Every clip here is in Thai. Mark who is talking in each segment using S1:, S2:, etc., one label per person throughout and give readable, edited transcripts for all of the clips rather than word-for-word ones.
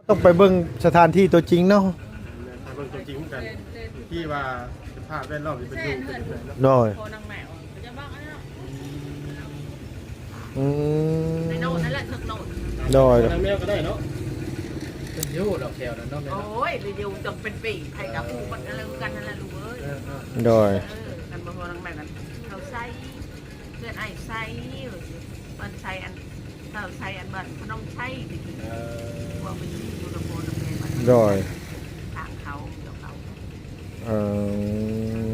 S1: ต้องไปเบิ่งสถานที่ตัวจริงเนาะ
S2: ไปเบิ่งตัวจริงเหมือนกันที่ว่าสภาพแวดล้อมที่เป็นอยู่เป็นยังไงเนาะ
S1: โดย
S3: โคนางแมวจะบ้างอันนั้น
S1: อืม
S3: ในโน่นนั่นแหละถึกโน่น
S1: โดย
S2: ทางแมวก็ได้เนาะ
S4: เป็นยูดอกแถวนั้นเนาะแม่
S3: โอ้
S4: เนาะ
S3: ยรีวิวจงเป็นปีใครกับผู้มันอะไรกันนั่นแหละลูกเอ้ย
S1: โดย
S3: กันบ่พอนางแมวกันเขาใส่เลือดไอ้ใส่มันใส่อันเขาใส่อันบันพนมใส่ดิว่ามันอยู่ในโคนางแมวมัน
S1: โดย
S3: ทางเขาเดี๋ยวเขา
S1: เออ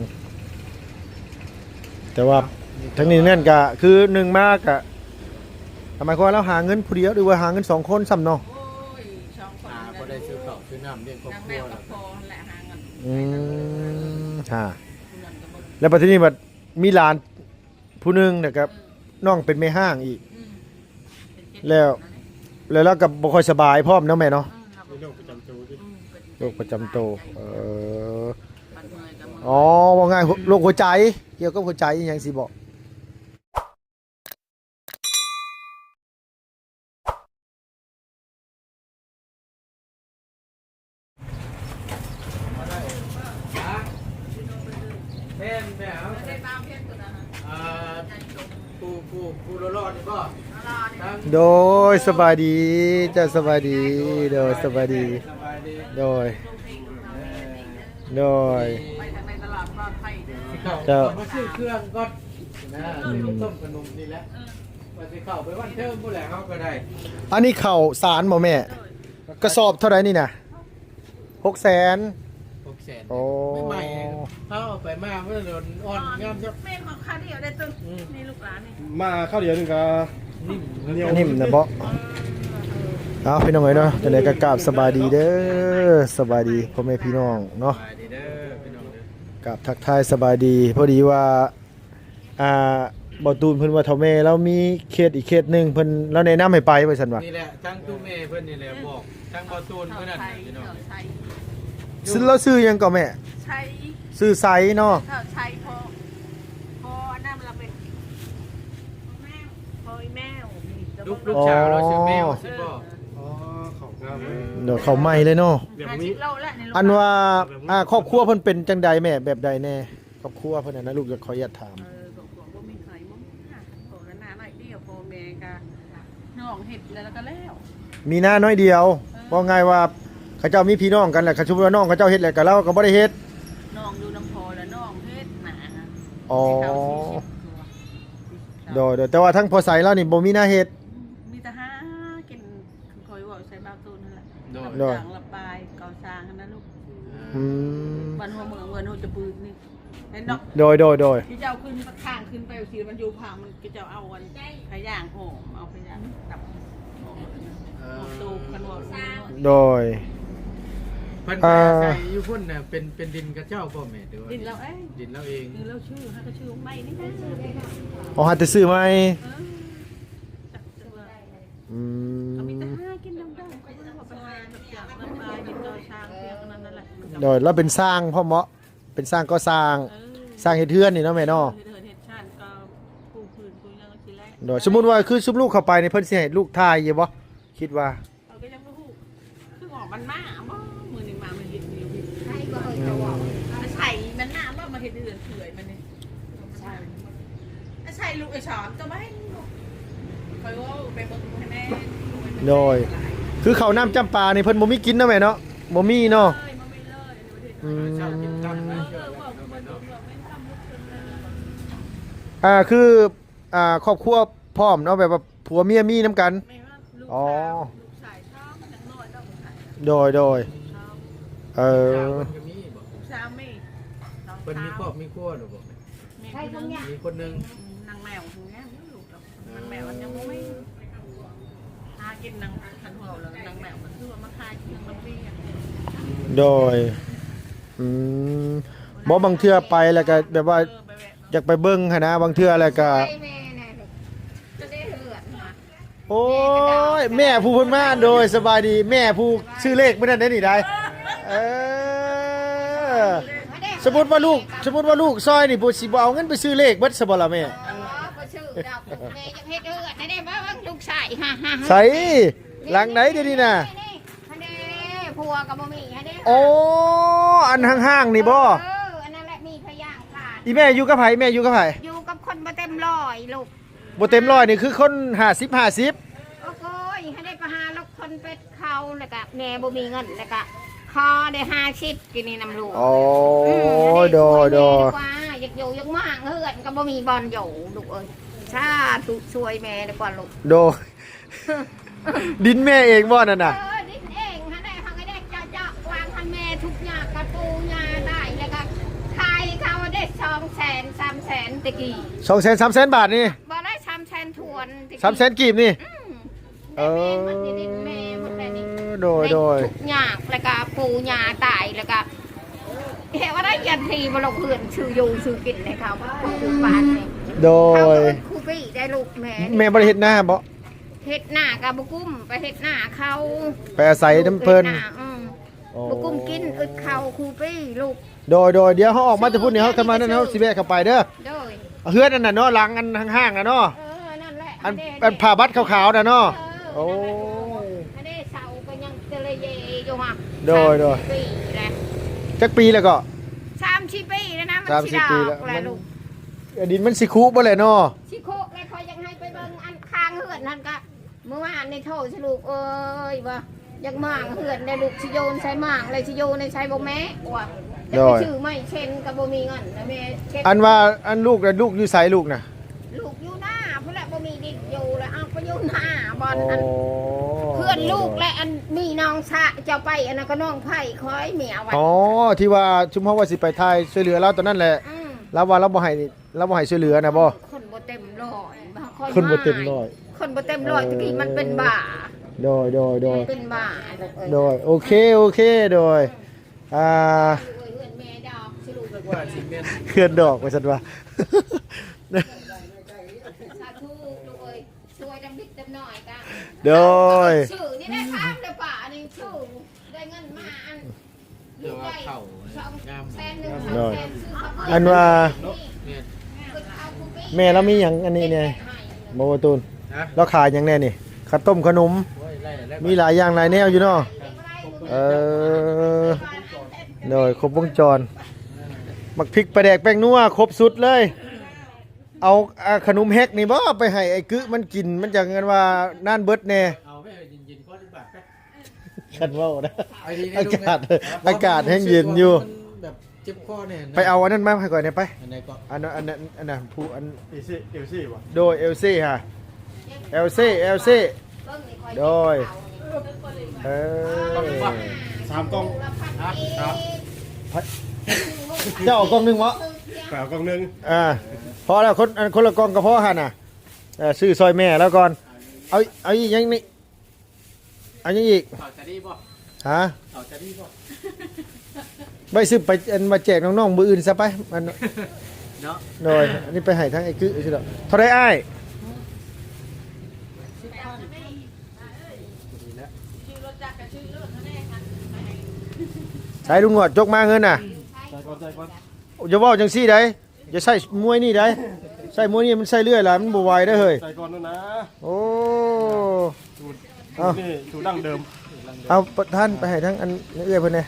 S1: แต่ว่าทั้งนี้นั่นก็คือหนึ่งมากอะทำไมคนเราหาเงินผู้เดียวหรือว่าหาเงิน2 คนซ้ำเนาะ
S3: โอ้ยช่องคน
S4: บ่ได้ซื้อข้าวซื้อน้ำเลี้ยงครอบ
S3: นาง
S4: ค
S3: แม
S4: รัว
S3: ว
S4: แล้
S3: กับ
S4: ว
S3: พอแหละหาเงิน
S1: ฮะ
S3: เงินกับ
S1: แล้วปัจจุบันบัดมีหลานผู้หนึงนะครับน้องเป็นแม่ห้างอีก แล้วเราก็บ่ค่อยสบายพร้อมเนาะแม่เนาะ
S2: มีโรคประจำตัวที่
S1: โรคประจำตัวอ๋อว่าง่ายโรคหัวใจเกี่ยวกับหัวใจอหยังสิบอก
S4: แม่นแม่เอาผู้รอดนี่บ่ทั้ง
S1: โดยสบายดีเจ้าสบายดีโดยสบายดี
S4: สบายดี
S1: โดยโดย
S3: ไปทางในตลาดปลอดภัย
S1: เจ้า
S4: มาซื้อเครื่องก่อนนะซื้อต้มขนมนี่แหละว่าสิเข้าไปวันเทิงผู้แหละเฮาก็ได้
S1: อันนี้ข้าวสารบ่แม่กระสอบเท่าไหร่นี่น่ะ600,000
S4: 600,000
S1: โอ้
S4: ไม่ใหม่เขาเอาไปมาเมื่อโดนอ่อนงามจัก
S3: แม่ของข้าเดียวได้ตึ้งนี่ลูกหลานนี่
S2: มาข้าวเดียวนึงก็
S4: นิ่ม
S1: นิ่มนะบ่เอาพี่น้องเอ้ยเนาะจังได๋ก็กราบสบายดีเด้อสบายดีพ่อแม่พี่น้องเนาะ
S4: สบายดีเด้อพี่น้องเด้อ
S1: กับทักทายสบายดีพอดีว่าบ่ตูนเพิ่นว่าเฒ่าแม่เรามีเขตอีกเขตหนึงเพิ่นเราแนะนำให้ไปว่าซั่นว่า
S4: นี่แหละทั้งตู้เมย์เพิ่นนี่แหละบอกทั้งบอตูน
S3: เท่า
S4: เพิ่นนั่น
S3: ไท
S4: น่ะ
S3: ย
S4: พี่น้อง
S3: เท่าไทย
S1: ซึ่งเราซื้อหยังก็แม่
S3: ใช้
S1: ซื้อไซเนาะ
S3: เท่าไทยพออันนั้นเราเป็นแมวพอแมว
S4: ลูกสาวเราชื่อแมวสิบ่
S2: อ๋อของงามเลย
S1: เดี๋ยวเขาใหม่เลยเนาะ
S2: แบบ
S3: 50
S2: นี้
S3: โลแล้วในลูก
S1: อันว่าครอบครัวเพิ่นเป็นจังใดแม่แบบใดแน่ครอบครัวเพิ่นน่ะนะลูกจะขออนุญาตถาม
S3: บอกว่ามีใครมั้งโผล่แล้วหน้าหน่อยเดียวพอแม่กะน้องเห็ดแล้วก็แล้ว
S1: มีหน้าน้อยเดียวว่าไงว่าเขาเจ้ามีพี่น้องกันแหละเขาชุบว่าน้องเขาเจ้าเฮ็ดแหละก็เราก็บ่ได้เฮ็ด
S3: น้องดูน้ำพอแล้วน้องเฮ็ดหนา
S1: อ๋อ
S3: โด
S1: โดยแต่ว่าทั้งพอใสแล้วนี่บ่มีหน้าเฮ็ด
S3: มีแต่หากินคอยว่าใส่บาวตูนนั่นแหละ
S4: โดน
S1: โดย
S3: จางระบายเกาซางนั่นลูก
S1: อืม
S3: วันหัวเมืองเมืองหัวจะปืนนี่เห็นดอก
S1: โดย
S3: ที่เจ้าขึ้นข้างขึ้นไปสีมันอยู่พังมันก็จะเอาวันขย่างโหมเอาขย่างตับโหมตูกันหัวซาง
S1: โดย
S4: เพิ่นมาใส่อยู่พุ่นน่ะเป็นดินกระเจ้าพ่อแม่เด้อ
S3: ดินเราเอ้ย
S4: ดินเราเอง
S3: ดินเราชื่อฮะก็ชื่อไม่นี่นะ
S1: เอาหาแต่ซื้อไหม
S3: จับตัว
S1: อืม
S3: ก็มีแต่ห้ากินน้ำได้ก็จะบอกไปหาแบบอย่างระบายดินเกาซางเพียงนั่นแหละ
S1: โดยแล้วเป็นสร้างพ่อเหมาะเป็นสร้างก็สร้างสร้างเฮ็ดเทือนนี่เนาะแม่เนาะ
S3: เห็ดชาติก็ปูพื้นปูยังทีแรก
S1: โดยสมมุติว่าคือซุมลูกเข้าไปในเพิ่นสิให้ลูกทายอยู่บ่คิดว่า
S3: เราก็ยังไม่รู้คือหอกมันมาบ่มือหนึ่งมามันเห็ดเดียว
S5: ใช่ก็เจะบอก
S3: ใส่มันหน้าว่ามาเห็ดเดือนเถื่อยมันนี่ใส่ลูกไอ้ฉอมจะไม่ให้ลูกคอยว่าไปเบิ่งให้แม่
S1: โดยคือข้าวน้ำจำปานี่เพิ่นบ่มีกินเนาะแม่เนาะบ่มีเนาะ
S3: เลยมันไม่เลย
S1: อืม
S4: เจ้ากินตั้ง
S3: เอ
S4: นะ
S3: อบอกมันบอกไม่ทำลูกคนเลย
S1: คือครอบครัวพร้อมเนาะแบบว่าผัวเมียมีน้ำกัน
S3: ไม่ว่าลูก
S1: อ๋อ
S3: ลูกชายชอบมันน้อยต้องลูกชาย
S1: โดย
S3: ชอบ
S1: เอ
S4: เจ้า
S1: อ
S4: เพิ่นก็มีบ่
S3: ลูกสาวไม่น้อง
S4: เพิ่นมีคร
S3: สา
S4: อ
S3: ว
S4: บมีครัวหรือบ่
S5: ใช่ทั้งเนี้ย
S4: มีคนหนึง
S3: นางแมวถึงเนี้ยลูกนางแมวมันยังไม่หากินนางทันหัวเลยนางแมวมันคือว่ามาคายกินน้ำเบี้ย
S1: โดยอืมบ่บางเทื่อไปแล้วก็แบบว่าอยากไปเบิ่งหั้นนะบางเทื่อแล้วก็
S5: ใช่แม่น่ะจะได้เหือดมา
S1: โอ้ยแม่ผู้เพิ่นมาโดยสบายดีแม่ผู้ชื่อเลขมื้อนั้นได้นี่ได้เออสมมุติว่าลูกซอยนี่ผู้สิบ่เอาเงินไปซื้อเลขเบิดซะบ่ล่ะแม่
S5: อ๋อบ่ชื่อดอกแม่ยังเฮ็ดเหือดได้บ่ว่าลูกชายฮ่า
S1: ใส่หลังไหนเดี๋ยวนี้น่ะ
S5: นี่คะแนนผัวก็บ่มีให้เด้
S1: โอ้อันห้างๆนี่บ่
S5: อันนั้นแหละมีพยางขาด
S1: อีแม่อยู่กับไผแม่อยู่กับไผ
S5: อยู่กับคนบ่เต็มร้อยลูก
S1: บ่เต็มร้อยนี่คือคน50
S5: โอ้โหให้ได้ไปหาลูกคนเป็ดเขาแล้วก็แม่บ่มีเงินแล้วก็คอได้50กินนี่น้ำลูก
S1: โอ้โดโด
S5: ว่าอยากอยู่อยากมากเฮือนก็บ่มีบอลอยู่ลูกเอ้ยสาธุช่วยแม่ดีกว่าลูก
S1: โดดินแม่เองบ่นั่นน่ะ
S5: ดินเองฮะได้เขาก็ได้เจาะวางคันแม่ทุกอย่างกระปูยาได้แล้วก็ขายเขาได้200,000 300,000ตะกี้
S1: 200,000 300,000 บาทนี่
S5: บ่ได้300,000ทวนตะกี้
S1: 300,000กีบนี่
S5: เออมันดินแม่หมดเลยนี่
S1: โดยโดย
S5: ทุกอย่างแล้วก็ปูยาตายแล้วก็เห็นว่าได้ยันทีมาลงเพื่อนชื่ออยู่ชื่อกินเลยเขาคูปานเนี่ย
S1: โด
S5: เขา
S1: ย
S5: ครูปี้ได้ลูกแม่
S1: แม่บ่ได้เฮ็ดหน้าบ่
S5: เฮ็ดหน้ากับบุกุ้มไปเฮ็ดหน้าเขา
S1: ไปอาศัยน้ำเพิ่น
S5: บุกุ้มกินอึดเขาครูปี้ลูก
S1: โดยเดี๋ยวเขาออกมาจะพูดนี่เขาเข้ามานั่นเขาสิแวะเข้าไปเด้อ
S5: โดย
S1: เฮือนนั่นน่ะเนาะหลังอันห้างๆน่ะเนาะ
S5: นั่นแหละ
S1: อันผ้าบัดขาวๆน่ะเนาะโอ้
S5: อันนี้เสาก็ยังเตลเยอยู่ฮะ
S1: โดย
S5: 30 ปีแล้ว
S1: จักปีแล้วก็
S5: 30 ปีแล้วนะมันสิ
S1: 30 ปีแล้ว
S5: ดอกแล้วลูก
S1: ดินมันสิคุบ่แหละเนาะ
S5: ชิโคกเลยคอยยังให้ไปเบิ่งอันค้างเหือนนั่นก็เมื่อวานในโทษสิลูกเอ้ยว่าอยากมางเหือนในลูกชิโยนใช้มางเลยชิโยนในใช้บ่แม่ว่าจะไปชื่อไม่เช่นกับบ่มีเงินนะแม่เช็ค
S1: อันว่าอันลูกน่ะลูกอยู่ไสลูกน่ะ
S5: ลูกอยู่หน้าเพื่อนบ่มีดินอยู่แล้วเอาไปอยู่หน้าบอล
S1: โอ้
S5: อันเพื่อนลูกและอันมีน้องสะเจ้าไปอันนั้นก็น้องไผ่คอยเมียไว้
S1: อ๋อที่ว่าชุมเฮาว่าสิไปถ่ายช่วยเหลือเราตอนนั้นแหละ
S5: ม
S1: แล้วว่าเราบ่ให้ช่วยเหลือนะบ่
S5: คนบ่เต็มร้อยคอย
S1: คนบ่เต็มร้อย
S5: คนบ่เต็มร้อยตะกี้มันเป็นบ้า
S1: โดย
S5: มันเป็นบ้าลูกเอ้ย
S1: โดยโอเคโดย
S5: เ
S1: อ่า
S5: พื่อนแม่ดอกสิลูก
S4: ว่าสิแม่น
S1: เคลื่อนดอกไปซั่นว่า
S5: สาธุลูกเอ้ยช่วยดำดิบดำหน่อยกัน
S1: โดย
S5: ชื่อนี่ได้ถามเลยป่านี่ชื่อได้เงินมาอัน
S4: เดี๋ยวว่าเข้า
S5: สอง
S4: งาม
S5: แสนหนึ่ง
S1: โดย
S5: แสนซื้อข้าว
S1: อันว่า
S4: แม่น
S1: แม่เรามีหยังอันนี้เนี่ยโมตูน
S4: ฮะ
S1: เราขายหยังแน่นี่ข้าวต้มขนม
S4: โอ้ยไล่ได้
S1: มีหลายอย่างหลายแนวอยู่เนาะโดยครบวงจรมักพริกปลาแดกแป้งนัวครบสุดเลย เอาขนมแฮกนี่บ่ไปให้ไอ้กึมันกินมันจังเงินว่าน่านเบิดแน่
S4: เอาไปเย็นๆก็ดีกว่าไป
S1: คันเว้านะ
S4: ไอ้ดี
S1: อากาศอากาศแห้งเย็นอยู่
S4: มันแบบเจ็บคอเนี่ยนะ
S1: ไปเอาอันนั้นมาให้ก่อนเนี่ยไป
S4: อันไหนก็
S1: อันนั้นผู้อัน
S2: เอซี่ว่ะ
S1: โดยเอลซี่ฮะเอลซี่โดยเออ
S2: 3 กล่อง
S4: ครับ
S1: เจ้าเอากล่องหนึงวะ
S2: แปดกล่องหนึง
S1: พอแล้วคนละกล่องก็พอหั่นน่ะซื้อซอยแม่แล้วก่อนเอาอีกยังนี่เอายังอีก
S4: ต่อจะดีบ่
S1: ฮะ
S4: ต่อจะดีบ่
S1: ไปซื้อไปมาแจกน้องๆมืออื่นซะไปมัน
S4: เนาะ
S1: โดยอันนี้ไปให้ทั้งไอ้กึใช่หรอเท่าไรอ้ายใช้ลุงหนวดจกมาเงินน่ะ
S2: ใจก่อน
S1: อย่าว่าจังซี่ได้อย่าใส่มวยนี่ได้ใส่มวยนี่มันใส่เรื่อยล่ะมันบ่ไหวได้อเฮ้ย
S2: ใจก่อนนู่นนะ
S1: โอ้
S2: สูตร
S1: เอา
S2: นี่สูตรดั้งเดิม
S1: เอาท่านไปให้ทั้งอันเอื้อยเพิ่นแหน่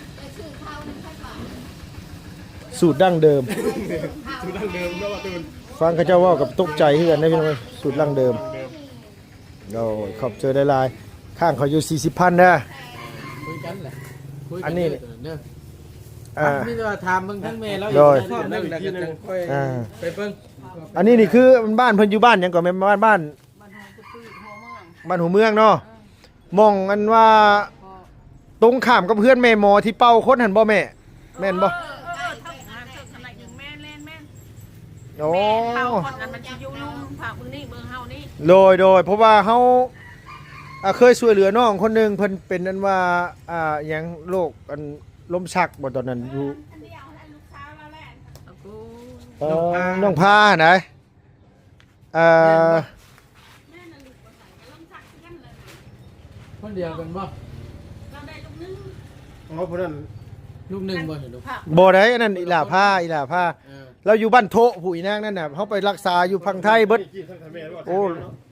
S1: สูตรดั้งเดิม
S2: สูตรดั้งเดิมแล้วว่าตูน
S1: ฟังเขาเจ้าเว่ากับตกใจคือกันได้อพี่น้องสูตรดั้งเดิมโอ้ยขอบเจอได้หลายข้างเขาอยู่40,000นะ
S4: คุยกันแหละคุยกั
S1: อันนี้
S4: เด้อ
S1: อ่า
S4: มีแต่ว่าถามเบิ่งทั้งแม่แล้ว
S1: โดย
S4: ชอบนั่งแล้วก็จังค่อย
S1: อ่า
S4: ไปเบิ่ง
S1: อันนี้นี่คือบ้านเพิ่นอยู่บ้านหยังก่อนแม่นบ้านหัวเมืองเนาะมองอันว่าตรงข้ามกับเพื่อนแม่หมอที่เป่าคนหันบ่แม่แม่นบ่
S3: เท่าขนาดอย่างแม่เล่นแม่
S1: โอ้
S3: เท่าคนนั้นมันจะอยู่ลุ่มผักมึงนี่เมืองเฮานี่
S1: โดยเพราะว่าเฮาเคยช่วยเหลือน้องคนหนึงเพิ่นเป็นอันว่าหยังโรคอันลมชักบ่ตอนนั้นอยู่น้องพาไหนอ่า
S4: คนเดียวกันบ่
S2: อ๋อเพราะนั้น
S4: ลูกหนึงบ่เห็นลูก
S1: บ่ได้อันนั้นอีหล่าพา
S4: เออ
S1: เราอยู่บ้านโทผู้อีนางนั่นน่ะเฮาไปรักษาอยู่พังไทยเบิด
S2: กี่ทั้งไทยแม่ด้วย
S1: โอ้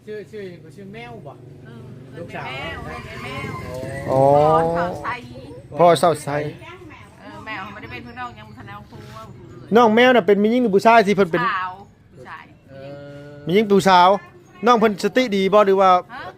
S4: ชื่อแมวบ่
S3: ลูกสาวแมว
S1: อ๋อ
S3: เขาใส่
S1: พ่อเศร้าใส
S3: แมวไม่ได้เป็นพี่น้องยังทันเอาครูว่า
S1: น้องแมวน่ะเป็นมีหญิงหรือผู้ชายที่เพิ่นเป็น
S3: สาวผู้ชาย
S1: มีหญิงผู้สาวน้องเพิ่นสติดีบ่หรือว่า
S3: ฮะ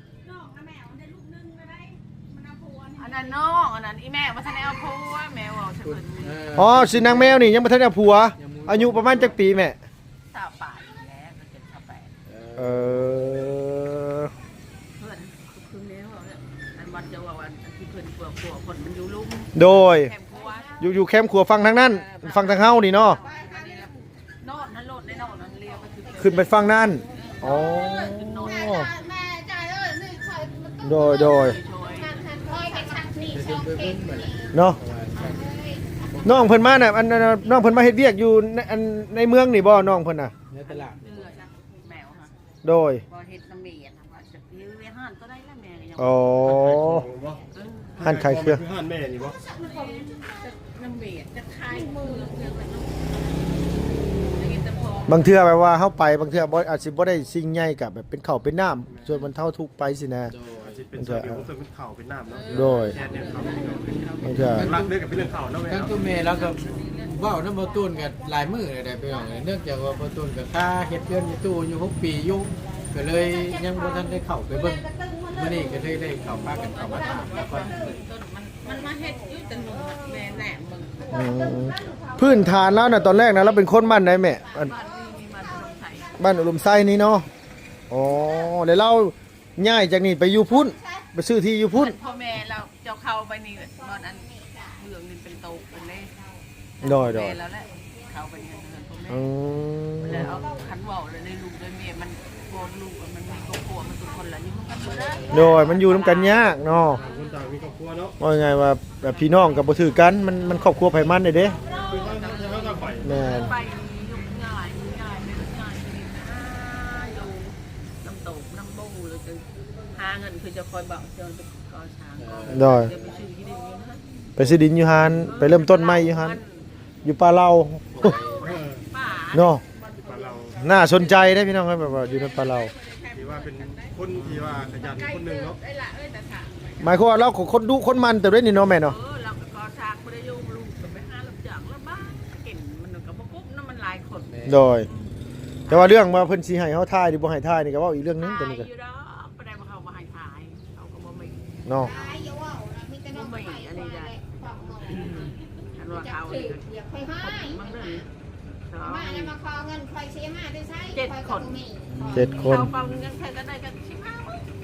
S3: อันนั้นน้องอันนั้นอีแม่มาทันเอาครูว่าแมวเอาฉันเพิ่น
S1: อ๋อสินางแมวนี่ยังบ่ทันได้ผัว อายุประมาณจักปีแม่
S3: สาวป่าแล้วก็จะทำไป
S1: เออ
S3: เพื่อนคือแมวอันวัดจะว่าวันที่เพื่อนกลัวคนมันอยู่ลุ่ม
S1: โดย
S3: แคมป์ครัว
S1: อยู่แคมป์ครัวฟังทางนั้นฟังทางเฮานี่เนาะ
S3: โน่นนั่นโลดในโน่นนั่นเรียกไปคือ
S1: ขึ้นไปฟังนั่นอ๋อ
S5: แม่จ่ายเลยนี่คอย
S1: โดย
S3: ช่วย
S5: คอยไปชักนี่สองเข่ง
S1: เนาะน้องเพิ่นมาน่ะอันน้องเพิ่นมาเฮ็ดเวียกอยู่ในเมืองนี่บ่น้องเพิ่นน่ะ
S4: ในตลาด
S3: เลือดแมวค่ะ
S1: โดย
S3: พอเห็ดน้ำเมียนะว่าจะยื้อห้านก็ได้แล้วแม่ยัง
S1: อ๋อ หั่นไข่เครื่อง
S2: หั่นแม่นี่บ่
S3: น้ำเมียจะคายมือเครื่องมันอย่างนี้แต่พอบ
S1: างเทื่อแบบว่าเฮาไปบางเทื่อบ่อาจสิบ่ได้สิ่งใหญ่กับแบบเป็นข้าวเป็นน้ำส่วนมันเท่าทุกข์ไปสินะ
S2: อาจจะเป็นส่วนเดียวของเป็นข้าวเป็นน้ำเนาะ
S1: โดย
S2: แค่เนี่ยข้าวเป็นน้ำ
S1: บางเทื่อ
S2: รักเด้อกับเป็นเรื่องข้าวเนาะแม่
S4: ทั้ง
S2: เนาะ
S4: ตัวเมย์แล้วก็เว้าน้ำบ่ตูนกับหลายมื้อเลยได้ไปน้องเนื่องจากว่าบ่ตูนกับค่าเฮ็ดเดือนอยู่ตู้อยู่6ปีอยู่ก็เลยยังบ่ทันได้เข้าไปเบิ่งมื้อนี้ก็เลยได้เข้าพากันเข้ามาถามแล้วก็
S3: ต้นมันมาเห็ดอยู่แต่หนูแม่แหนมมึง
S1: พื้นฐานแล้วน่ะตอนแรกนะเราเป็นคนบ้านไหนแม่อัน
S3: บ้านนี้มีมันลงไข่
S1: บ้านอุดมไส้นี่เนาะอ๋อแล้วเราย้ายจากนี่ไปอยู่พุ่นไปซื้อที่อยู่พุ่น
S3: พ่อแม่เราเจ้าเข้าไปนี่ตอนอันเรื่องนี้เป็นโตเป็นเล่
S1: โดย
S3: แม่แล้วแหละเข้าไปเนี่ยพ่อแม่
S1: อืม
S3: แล้วเอาขันว่าวเลยในลูกเลยเมียมันโกนลูกมันมีครอบครัวมันทุกคนละนี่มันกันบ่ได้
S1: โดยมันอยู่นํกันยากเนาะ
S2: ต่างคนต่างมีครอบครัวเนาะ
S1: ว่าไงว่าแบบพี่น้องก็บ่ถือกันมันครอบครัวไผมันได้เด้
S2: คือเขาจะปล่อย
S1: แม่น
S3: ไปยุ่งง่ายไม่ง่ายนี่อยู่น้ำตกน้ำบูเลยจะหาเงินคือจะคอยบอกเจอจะก่อช้างก่อน
S1: โดย
S3: จะไปซื้อที่ดินอยู่นะ
S1: ไปซื้อดินอยู่หานไปเริ่มต้นใหม่อยู่หานอยู่ป่าเรา
S3: ป่า
S1: เนาะ
S2: บ้านเรา
S1: น่าสนใจได้พี่น้องครับแบบว่าอยู่ในป่าเรา
S2: ที่ว่าเป็นคนที่ว่าขยันคนหนึ่งเนาะ
S3: ได้ละแต่ถาม
S1: หมายความว่าเราคนดุคนมันแต่ด้วยนี่เนาะแม่เนาะ
S3: เราก็ก่อช้างไม่ได้ยุ่งลูกไปหาลำจากแล้วบ้านเก่งมันก็บ่ปุ๊บนั่นมันหลายคน
S1: โดย แต่ว่าเรื่องว่าเพิ่นสิให้เฮาทายหรือบ่ให้ทายนี่ก็เว้าอีกเรื่องนึงตัวนี้ก็
S3: อยู่ดอกบ่ได้มาเข้ามาให้ถ่ายเขาก็บ่มี
S1: เนาะ
S5: ตายอยู่ว่ามีแต่น้องไปอันนี้ได้
S3: อันว่า
S5: อยา
S3: เขา
S5: กถืออยากไปให้
S3: มันเรื่องสอง
S5: มาเนี่ยมาขอเงินคอยเสียมาได้ใช้
S1: 7 คน
S3: เขาฟังยังใครก็ได้กันชิบหาย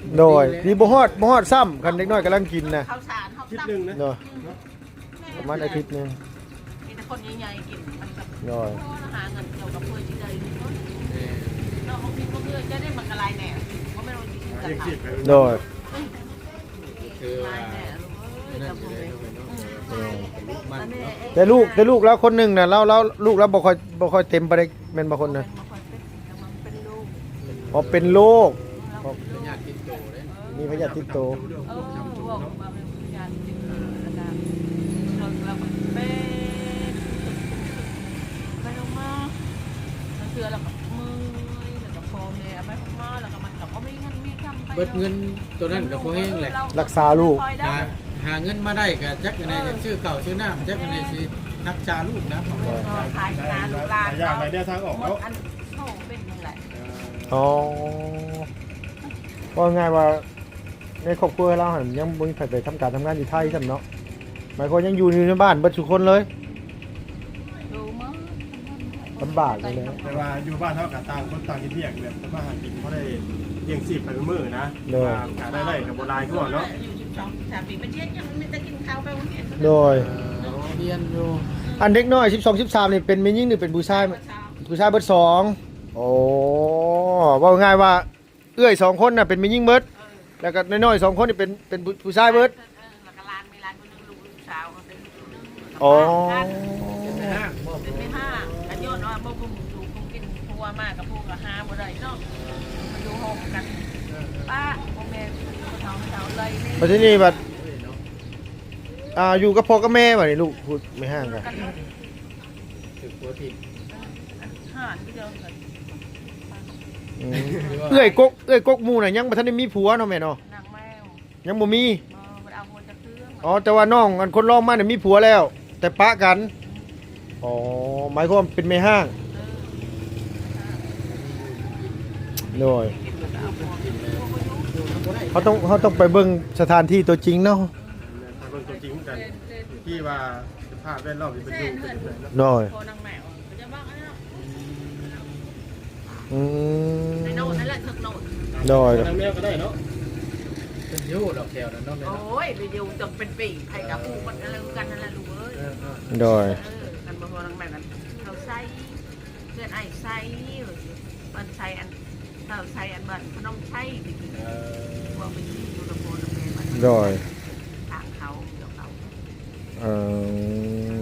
S1: โดยนี่บ่ฮอดซ้ำคันเด็กน้อยกำลังกินนะ
S3: เขาสารเขา
S2: คิด
S3: ตั้ง
S2: หนึ่งนะ
S1: เนาะประมาณอาทิตย์หนึง
S3: มีแต่คนใหญ่ๆกินมันกับ
S1: โดย
S3: หาเงินเกี่ยวกับเพื่อนที่ใดเราบางทีก็เพื่อนจะได้มันอะไรแน่เพราะไม่รู้จริงๆจะ
S2: เลี้ยง
S3: ท
S2: ชีพไป
S1: โดย
S4: คือ
S3: ำ
S4: ว่า
S3: แน่
S4: นั่นอยู่ได้เนาะมันเนาะ
S1: แต่ลูกแล้วคนหนึงน่ะเราลูกแล้วบ่ค่อยเต็มไปได้แม่นบ่คนน่ะ
S3: เป็นลูก
S1: พอเป็นโรค
S4: เป็นญาติติดโตเด้
S1: มีพยาธิติดโต
S3: บอกมาเป็นงานจิตอาจารย์เราเป็นไปลงมาเสือแล้วก็มือแล้วก็โฟมเนี่ยไปมาแล้วก็มันก็ไม่งั้นมีคำไป
S4: เบิดเงินตัวนั้นก็พอแห้งแหละ
S1: รักษาลูก
S4: หาเงินมาได้ก็จักอันใดจะชื่อเก่าชื่อน้ำจักอันใดสิรักษาลูกนะ
S3: ขายงานลูกหลาน
S2: อยากอะไรเนี่ยทางออกแล้ว
S3: อันโซ่เป็นยังไง
S1: อ๋อว่าง่ายว่าในครอบครัวเราหันยังบ่มีใครไปทำการทำงานอยู่ไทยซั่นเนาะหมายความยังอยู่ในบ้านเบิดทุกคนเลย
S3: ดูมั้ง
S1: ลำบากเลยนะ
S2: แต่ว่าอยู่บ้านเท่ากับต่างคนต่างกินเที่ยงแบบทำมาหากินเขาได้เลี้ยงชีพไปเป็นมื้อนะการได้กับโบราณก่อนเนาะ
S3: อยู่12-13 ปีมันเช็ดยังมันจะกินข้าวไปวันนี้
S1: โดย
S4: เรียนอยู่
S1: อันเด็กน้อย12 13นี่เป็นแม่หญิงหรือเป็นผู้ชายผู้ชายเบิดสองโอ้ว่าง่ายว่าเอื้อย2คนน่ะเป็นแม่หญิงเบิดแล้วก็น้อยๆ2คนนี่เป็นผู้ชายเบิด
S3: แล้วก็ร้านมีร้านคนนึงลูกสาวเขาเป็นลูกนึง
S1: อ๋อ
S4: เป็นห้างบ่
S3: เป็นไม่ห้างกันย้อนว่าบ่คุ้มถูกคุ้มกินพัวมากกับพวกก็หาบ่ได้เนาะมาอยู่ห้องกันป้าพ่อแม่เขาเจ้าเลยนี่
S1: มาที่นี่บัดอยู่กับพ่อกับแม่บัดนี้ลูกพูดไม่ห่างกัน
S4: ถึกหัวทิ่ม
S3: ห่านที่เดียวกัน
S1: อืมเอื้อยกกหมู่น่ะยังบ่ทันได้มีผัวเนาะแม่เนาะ
S3: นางแมว
S1: ยังบ่มี
S3: มันเอาคนจะเครื่อง
S1: อ๋อแต่ว่าน้องอันคนร้องมาเนี่ยมีผัวแล้ว แต่ปะกันอ๋อหมายความเป็นแม่ห้างโดยเขาต้องไปเบิ่งสถานที่ตัวจริงเนาะ
S2: ทางคนตัวจริงกันที่ว่าสภาพแวดล้อมที่เป็นอยู่เป็นแบบนั้น
S1: โดย
S3: โคนางแมวจะบ้างนะ
S1: อืม
S3: ในโน่นนั่นแหละถึกโน่น
S1: โดย
S2: ทางแมวก็ได้เนาะ
S4: เป็นอยู่ดอกแก้วนั่นเนาะแม่
S3: โอ้
S4: เนาะ
S3: ยไปอยู่จนเป็นปีไผ่กับปูมันอะไรกันนั่นแหละลูกเอ้ย
S1: โดย
S3: กันบ่พอนางแมวกันเขาใส่เพื่อนไอ้ใส่มันใส่อันเขาใส่อันบันขนมใส่ไปกินว่าไปกินอยู่ตะโพนตะเพมัน
S1: โดย
S3: ทางเขาเดี๋ยวเขา
S1: เออ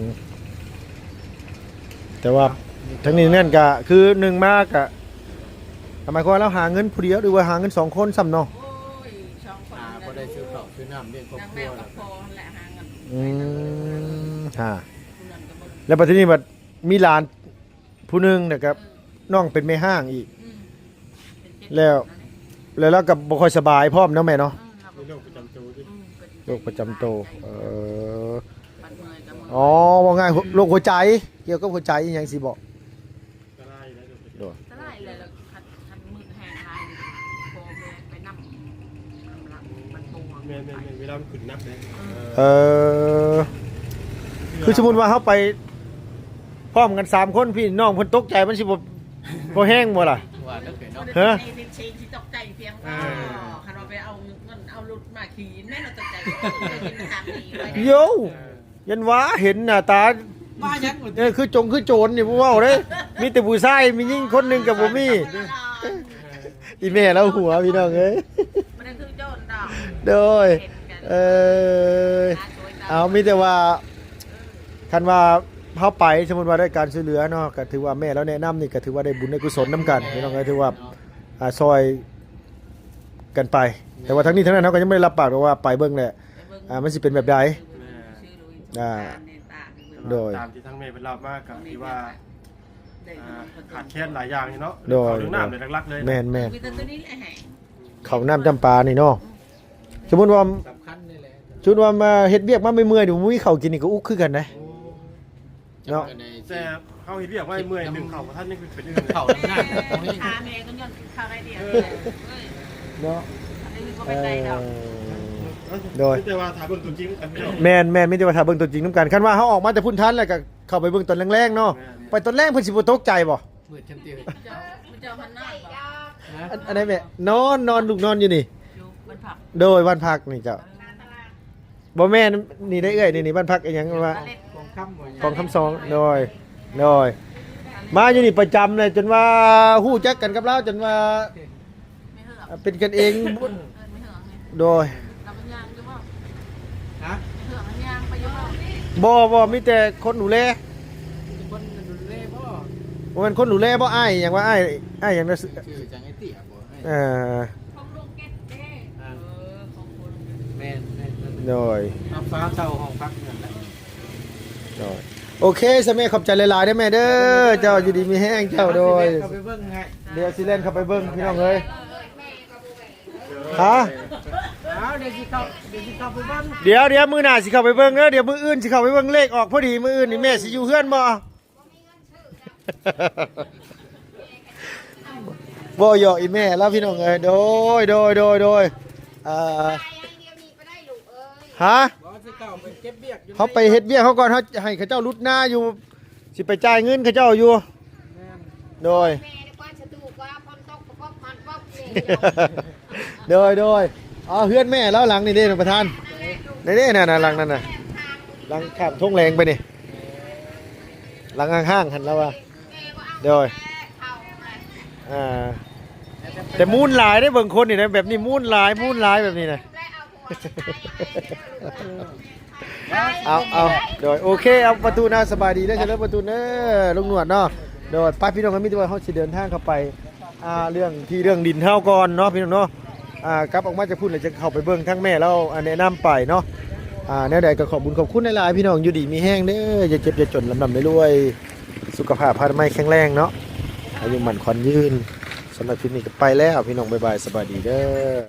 S1: แต่ว่าทั้งนี้นั่นก็คือหนึ่งมากอะทำไมคนเราหาเงินผู้เดียวหรือว่าหาเงินสองคนซ้ำเนาะ
S3: โอ้ยช่องคน
S4: บ่ได้ซื้อข้าวซื้อน้ำเลี้ยงครอบ
S3: นาง
S4: ค
S3: แม
S4: รัว
S3: วกั
S4: แล้
S3: บ
S4: ว
S3: พอแหละหาเงิน
S1: ฮะ
S3: คุณนั่นก็บ่
S1: แล้วปัจจุบันบัดมีหลานผู้หนึงนะครับน้องเป็นแม่ห้างอีก แล้วเรากับบ่ค่อยสบายพร้อมเนาะแม่เนาะ
S2: มีโรคประจำตัวที่
S1: โรคประจำตัว
S3: บัดเมื่อยกับมือ
S1: อ๋อว่าง่ายโรคหัวใจเกี่ยวกับหัวใจอหยังสิบอก
S2: ก็ได้แล้ว
S1: โดย
S3: ตะไลเลยแล้วคันมือแห้งลายโบแม่ไปนำหลังมันปวง
S2: แม่เวลามันขึ้นนับเลย
S1: เออคือสมมุติว่าเฮาไปพร้อมกัน3คนพี่น้องเพิ่นตกใจมันสิบ่แห้งบ่ล่ะ
S4: ว่าเด้อเนาะ
S1: ฮะ
S3: ในเชนที่ตกใจเพียงว่าคันเราไปเอาเงินเอาลุดมาขี่แม่เราตกใจกินทางนี้ไว้
S1: โยยันว่าเห็นหน้าตา
S4: มายัง
S1: คือโจรนี่บ่เว้าเด้มีแต่ผู้ชายมียิ่งคนหนึงกับบ่มีอีแม่แล้วหัวพี่น้องเอ้ย
S3: มันคือโจรดอก
S1: โดยเอามีแต่ว่าคันว่าเฮาไปสมมุติว่าได้การช่วยเหลือเนาะก็ถือว่าแม่แล้วแนะนำนี่ก็ถือว่าได้บุญได้กุศลนํกันพี่น้องเอ้ยถือว่าซอยกันไป แต่ว่าทั้งนี้ทั้งนั้นเฮาก็ยังไม่ได้รับปากว่าไปเบิ่งแหละมันสิเป็นแบบใด โดย
S2: ตามที่ทั้งแม่เป็นเล่ามากกับที่ว่าขาดแคลนหลายอย่างเนาะ
S1: โดย
S2: เรื่องน้ำเลยหลักๆเลย
S1: แม่น
S3: มีแต่ตัวนี้แหละ
S1: ๆเขาวน้ำจำปานี่เนาะสมมุติว่า
S4: สำคัญนี่แหละ
S1: ชุดว่ามาเฮ็ดเวียกมาเมื่อยๆนี่บ่มีข้าวกินนี่ก็อุกคือกันนะ เนาะ
S2: แต่เขาเห็นเรียกว่าเมื่อยหนึ่งเข่าท่านนี่คือเป็นเรื่อง
S4: ข้าวน้ำหน้าตรงนี้
S3: ขาแม่ก็ย้อนขาไรเดียว
S1: เนาะ
S3: อันนี้ก็เป็นไรดอก
S1: โดย
S2: แต่ว่าถามเบิ่งตัวจริงกันไม่ได้
S1: แม่นมีแต่ว่าถ้าเบิ่งตัวจริงนํกันคันว่าเฮาออกมาแต่พุ่นทันแล้วก็เข้าไปเบิ่งตอนแรงๆเนาะไปตอนแรกเพิ่นสิบ่ตกใจบ่
S4: มืดจำเตียว
S3: เจ้าพันหน้า
S1: อันไหนแม่นอนลูกนอนอยู่นี่
S3: อยู่บนผัก
S1: โดยบ้านพักนี่เจ้าบ่แม่นนี่ได้เอ้ยนี่บ้านพักอีหยังว่า
S4: ของค่ำบ่
S1: ของคำสองโดยมาอยู่นี่ประจำเลยจนว่าฮู้จักกันกับเราจนว่า
S3: ไม่เหือก
S1: เป็นกันเอง
S3: ไม่เหือก
S1: โดย
S3: เราเป็นยางใช่ป่ะ
S4: ฮะ
S3: ไม่เหือกมันยางไปอยู่ป่ะ
S1: บ่มีแต่คนดูแล
S4: คนดูแลบ่
S1: บ่แม่นคนดูแลบ่อ้ายหยังว่าอ้ายหยังนะ
S4: ชื่อจังไอ้เตี้ยบ่
S3: ของลูกเก็ตเด้ของคน
S4: แม่น
S1: โดย
S4: เอาฟ้าเช่าห้องพักนั่นแหละ
S1: โดยโอเคสมัยขอบใจหลายๆเด้อแม่เด้อเจ้าอยู่ดีมีแห้งเจ้าโดย
S4: เข้าไปเบิ่งให้
S1: เดี๋ยวสิเล่นเข้าไปเบิ่งพี่น้องเอ้ยฮะ
S4: เอาเดี๋ยวสิเข้าไปเบิ่ง
S1: เดี๋ยวมื้อหน้าสิเข้าไปเบิ่งเด้อเดี๋ยวมื้ออื่นสิเข้าไปเบิ่งเลขออกพอดีมื้ออื่นนี่แม่สิอยู่เฮือนบ่ บ่หยอกอีแม่แล้วพี่น้องเอ้ยโดยฮะ
S4: บ่สิเข้าไปเก็บเบียกอยู่
S1: เขาไปเฮ็ดเวียกเขาก่อนเขาให้เขาเจ้ารุดหน้าอยู่สิไปจ่ายเงินเขาเจ้าอยู่
S4: แม่น
S1: โดย
S5: แม่ดีกว่าจะดูกว่าพอนตกประกอบพันป๊อบเลย
S1: โดยอ๋อเฮือนแม่แล้วหลังนี่เด้ท่านประธานนี่น่ะหลังนั่นน่ะหลังข้ามทุ่งแรงไปนี่หลังข้างๆหันแล้วว่าโดยแต่มูนหลายได้เบิ่งคนนี่นะแบบนี้มูนหลายแบบนี้นะเอาโดยโอเคเอาประตูหน้าสบายดีได้ใช่แล้วประตูเน้อลุงหนวดเนาะโดยไปพี่น้องกันมิตรว่าเขาสิเดินทางเข้าไปเรื่องดินเท่าก่อนเนาะพี่น้องเนาะกลับออกมาจะพูดเลยจะเข้าไปเบิ่งทั้งแม่แล้วแนะนำไปเนาะแนวใดก็ขอบคุณหลายๆพี่น้องอยู่ดีมีแห้งเด้ออย่าเจ็บอย่าจนลำดำรวยสุขภาพพาไม่แข็งแรงเนาะอายุหมั่นขวัญยืนสำหรับคลิปนี้ก็ไปแล้วพี่น้องบ๊ายบายสบายดีเด้อ